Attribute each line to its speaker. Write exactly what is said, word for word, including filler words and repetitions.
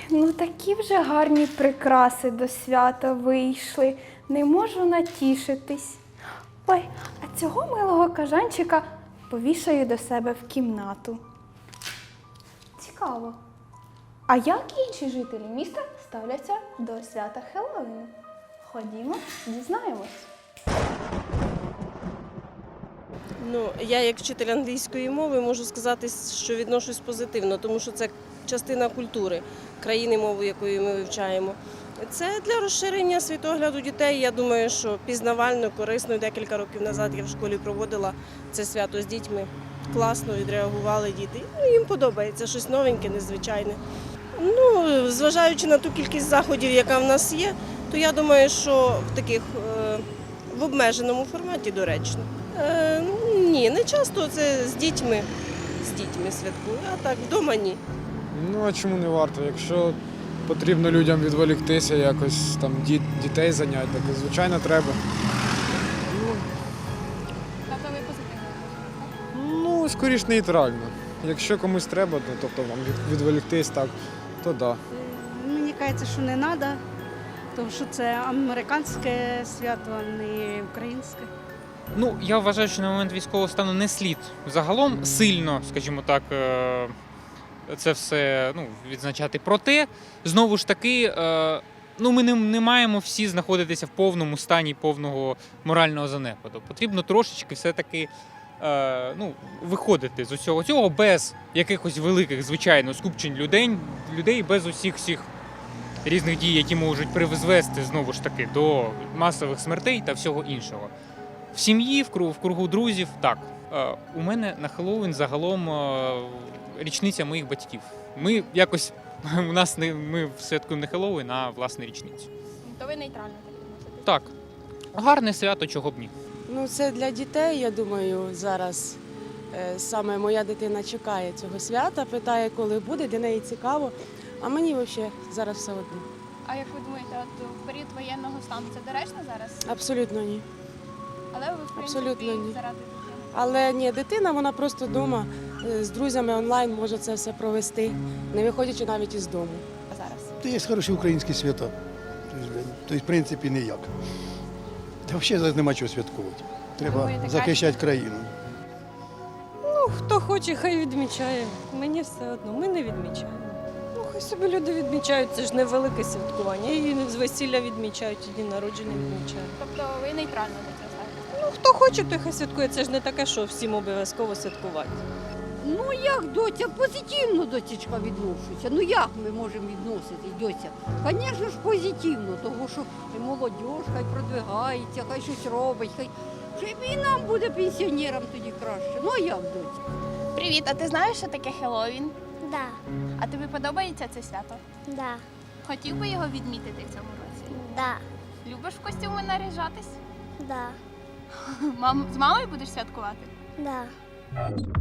Speaker 1: ну такі вже гарні прикраси до свята вийшли. Не можу натішитись. Ой, а цього милого кажанчика повішаю до себе в кімнату. Цікаво. А як інші жителі міста ставляться до свята Хеллоуіну? Ходімо, дізнаємось.
Speaker 2: Ну, я як вчитель англійської мови можу сказати, що відношусь позитивно, тому що це частина культури країни, мову якої ми вивчаємо. Це для розширення світогляду дітей. Я думаю, що пізнавально, корисно. Декілька років назад я в школі проводила це свято з дітьми. Класно відреагували діти. Ну, їм подобається щось новеньке, незвичайне. Ну, зважаючи на ту кількість заходів, яка в нас є, то я думаю, що в таких е, в обмеженому форматі доречно. Е, ні, не часто це з дітьми, з дітьми святкую, а так вдома ні.
Speaker 3: Ну, а чому не варто? Якщо потрібно людям відволіктися, якось там діт, дітей зайняти, так звичайно треба. Ну,
Speaker 4: Тобто ви позитивно?
Speaker 3: ну скоріш нейтрально. Якщо комусь треба, то, тобто вам від, відволіктись, так, то да.
Speaker 5: Мені кажеться, що не треба, тому що це американське свято, а не українське.
Speaker 6: Ну, я вважаю, що на момент військового стану не слід загалом сильно, скажімо так, е, це все ну, відзначати. Проте, знову ж таки, е, ну, ми не, не маємо всі знаходитися в повному стані повного морального занепаду. Потрібно трошечки все-таки е, ну, виходити з усього цього без якихось великих, звичайно, скупчень людей, людей без усіх всіх різних дій, які можуть призвести, знову ж таки, до масових смертей та всього іншого. В сім'ї, в кругу, в кругу друзів, так. Е, у мене на Хеллоуін загалом е, річниця моїх батьків. Ми якось, у нас не, ми святкуємо не Хеллоуін, а власне річницю.
Speaker 4: То ви нейтрально так відноситесь?
Speaker 6: Так, гарне свято, чого б ні.
Speaker 2: Ну, це для дітей, я думаю, зараз е, саме моя дитина чекає цього свята, питає, коли буде, для неї цікаво. А мені взагалі зараз все одно.
Speaker 4: А як ви думаєте, от в період воєнного стану це доречно зараз?
Speaker 2: Абсолютно ні.
Speaker 4: Але ви, в принципі,
Speaker 2: Абсолютно ні.
Speaker 4: заради дитини?
Speaker 2: Але ні, дитина, вона просто вдома з друзями онлайн може це все провести, не виходячи навіть із дому.
Speaker 4: А зараз?
Speaker 7: Це є хороші українські свята. Тобто, в принципі, ніяк. Та взагалі зараз нема чого святкувати. Треба
Speaker 4: Думаєте,
Speaker 7: захищати країну.
Speaker 8: Хто хоче, хай відмічає. Мені все одно, ми не відмічаємо. Ну, хай собі люди відмічають, це ж не велике святкування. І з весілля відмічають, і дні народження відмічають.
Speaker 4: Тобто ви нейтрально до цього ставитесь?
Speaker 8: Ну, хто хоче, той хай святкує. Це ж не таке, що всім обов'язково святкувати.
Speaker 9: Ну як, доця, позитивно, доцічка, відношуся. Ну як ми можемо відноситись, доця? Звісно ж, позитивно, тому що і молодь хай продвигається, хай щось робить, хай Ще і нам буде пенсіонерам тоді краще. Ну а як, доця?
Speaker 4: Привіт, а ти знаєш, що таке Хеллоуін?
Speaker 10: Да,
Speaker 4: А тобі подобається це свято?
Speaker 10: да,
Speaker 4: Хотів би його відмітити в цьому році?
Speaker 10: да,
Speaker 4: Любиш в костюми наряжатись?
Speaker 10: да,
Speaker 4: Мам, з мамою будеш святкувати?
Speaker 10: да.